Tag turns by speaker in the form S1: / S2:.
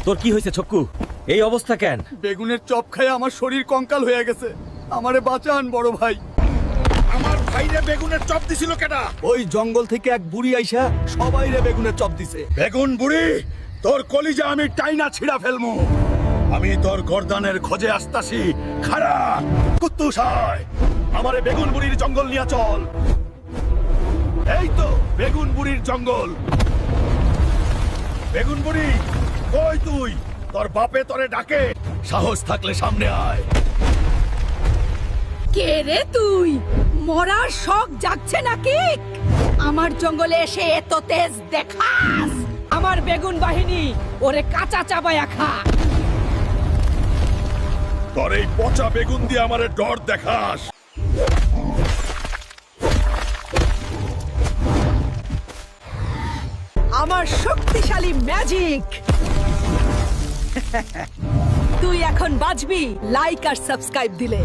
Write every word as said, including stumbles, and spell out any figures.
S1: তোর কি হয়েছে ছক্কু? এই অবস্থা কেন?
S2: বেগুনের চপ খায় আমার শরীর কঙ্কাল হয়ে গেছে। আমারে বাঁচান বড় ভাই।
S3: আমার ভাইরে বেগুনের চপ দিছিল কেডা?
S2: ওই জঙ্গল থেকে এক বুড়ি আইসা সবাইরে বেগুনের চপ দিছে।
S3: বেগুন বুড়ি, তোর কলিজা আমি টাইনা ছিড়া ফেলমু। আমি তোর গর্দানের খোঁজে আসতাছি। খাড়া কুত্তুস হয়, আমারে বেগুন বুড়ির জঙ্গল নিয়ে চল। এই তো বেগুন বুড়ির জঙ্গল। বেগুন বুড়ি কই তুই? তোর বাপে তোরে ডাকে, সাহস থাকলে সামনে আয়।
S4: কে রে তুই? মরার শখ জাগছে নাকি? আমার জঙ্গলে এসে এত তেজ দেখাস? আমার বেগুন বাহিনী ওরে কাঁচা চাবায়া খা।
S3: তোর এই পচা বেগুন দিয়ে আমারে ডর দেখাস?
S4: আমার শক্তিশালী ম্যাজিক। তুই এখন বাঁচবি লাইক আর সাবস্ক্রাইব দিলে।